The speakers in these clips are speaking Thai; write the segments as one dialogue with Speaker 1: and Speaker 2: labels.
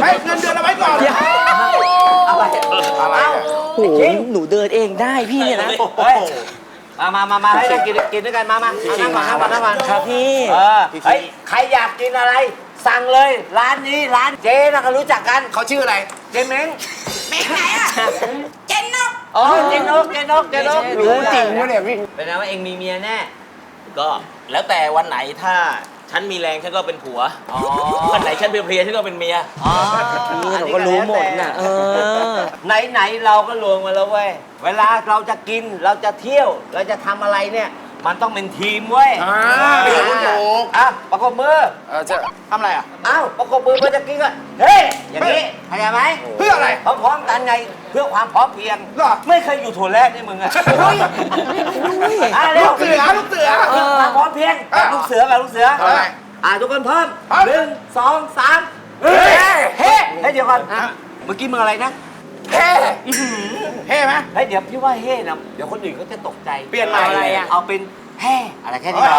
Speaker 1: ให้เงินเดือนเอาไว้ก่อน
Speaker 2: อะไร
Speaker 1: อะไร
Speaker 2: โอ้โหหนูเดินเองได้พี่เนี่ยนะมาให้ได้กินด้วยกันมานั่งก่อนครับพี่เฮ้ยใครอยากกินอะไรสั่งเลยร้านนี้ร้านเจ๊นะเขารู้จักกัน
Speaker 1: เขาชื่ออะไร
Speaker 2: เจ๊เม้ง
Speaker 3: เม้งไหนอ่ะเจนนก
Speaker 2: อ๋อเจ๊นก
Speaker 1: รู้จริงวะเนี่ยพี่
Speaker 2: เป็นไงว่าเองมีเมียแน่
Speaker 4: ก็แล้วแต่วันไหนถ้าฉันมีแรงฉันก็เป็นผัววันไหนฉันเพลียๆฉันก็เป็นเมีย
Speaker 2: อ๋อ
Speaker 5: นี่เราก็รู้หมดน่ะ
Speaker 2: ไหนเราก็รวมมาแล้วเว้ยเวลาเราจะกินเราจะเที่ยวเราจะทำอะไรเนี่ยมันต้องเป็นทีมเว้ย ประกบมือ
Speaker 1: จะทำอะไรอ่ะ
Speaker 2: อ้าวประกบมือเพื่อจะกินก็เฮ้ยอย่างนี้เข้าใจไหม
Speaker 1: เพื่ออะไร
Speaker 2: พร้อมๆกันไงเพื่อความพร้อมเพรียง
Speaker 1: เหรอ
Speaker 2: ไม่เคยอยู่ถั่วแรกนี่มึงอะ
Speaker 1: ลูกเสือลูกเสือ
Speaker 2: เพื่อความพร้อมเพรียงลูกเสือกับลูกเสือ
Speaker 1: เอาไง
Speaker 2: ทุกคนพร้อม
Speaker 1: พร้อม
Speaker 2: 1 2 3เฮ้เดี๋ยวก่อนเมื่อกี้มึงอะไรนะ
Speaker 1: เฮ้เฮ้ไหม
Speaker 2: เฮ้ยเดี๋ยวพี่ว่าเฮ่นะเดี๋ยวคนอื่นเขาจะตกใจ
Speaker 1: เปลี่ยนใหม่
Speaker 2: อะไรอะเอาเป็นแฮ่อะไรแค่นี้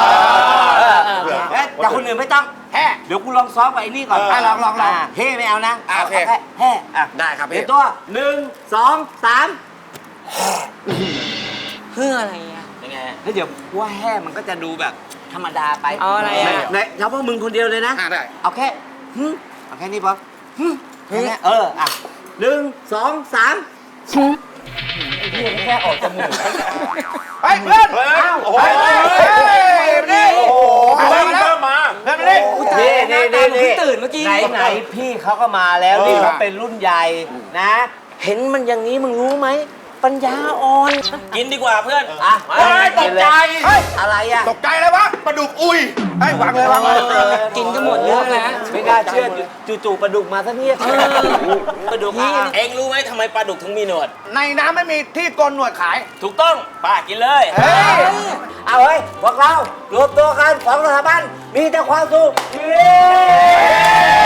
Speaker 2: แต่คนอื่นไม่ต้อง
Speaker 1: แฮ่
Speaker 2: เดี๋ยวกูลองซ้อมกับไอ้นี่ก่อน
Speaker 1: ลอง
Speaker 2: เฮ่ไม่เอานะ
Speaker 1: โอเค
Speaker 2: าแค่แฮ่อ่ะ
Speaker 1: ได้ครับ
Speaker 2: เดี๋
Speaker 1: พี่
Speaker 2: ยวตัว1 2 3
Speaker 5: เพื่ออะไรอ่ะ
Speaker 4: ยังไง
Speaker 2: เฮ้ยเดี๋ยวว่าแฮ่มันก็จะดูแบบธรรมดาไป
Speaker 5: เอาอะไรอ่ะ
Speaker 2: ไหนเฉพาะมึงคนเดียวเลยนะ
Speaker 1: ได้
Speaker 2: เอาแค่เอาแค่นี้พอแค่นี้อ่ะ1 2 3ไอ้เหี้ยแค่ออกจมูก
Speaker 1: ไปเพื่อน
Speaker 4: โอ้โห
Speaker 1: นี่โอ้โหเพื่อนมาเพื่อนมาดิ
Speaker 2: นี่
Speaker 5: ตื่นเมื่อกี้
Speaker 2: ไหนพี่เขาก็มาแล้วนี่เขาเป็นรุ่นใหญ่นะ เห็นมันอย่างนี้มึงรู้ไหมปัญญาอ่อน
Speaker 4: กินดีกว่าเพื่อน
Speaker 2: อ่ะ
Speaker 1: ตกใจ
Speaker 2: อะไรอ่ะ
Speaker 1: ตกใจเลยวะปลาดุกอุ้ยไอ้วางเลยวางเลย
Speaker 5: กินก็หมดเรื่องแล้ว
Speaker 2: ไม่น่าเชื่อจู่ๆปลาดุกมาซะเนี่ย
Speaker 4: ปลาดุกเองรู้ไหมทำไมปลาดุกถึงมีหนวด
Speaker 1: ในน้ำไม่มีที่โกนหนวดขาย
Speaker 4: ถูกต้องป้ากินเลย
Speaker 1: เฮ้ย
Speaker 2: เอาเฮ้ยพวกเรารวมตัวกันของสถาบันมีแต่ความสุขเย้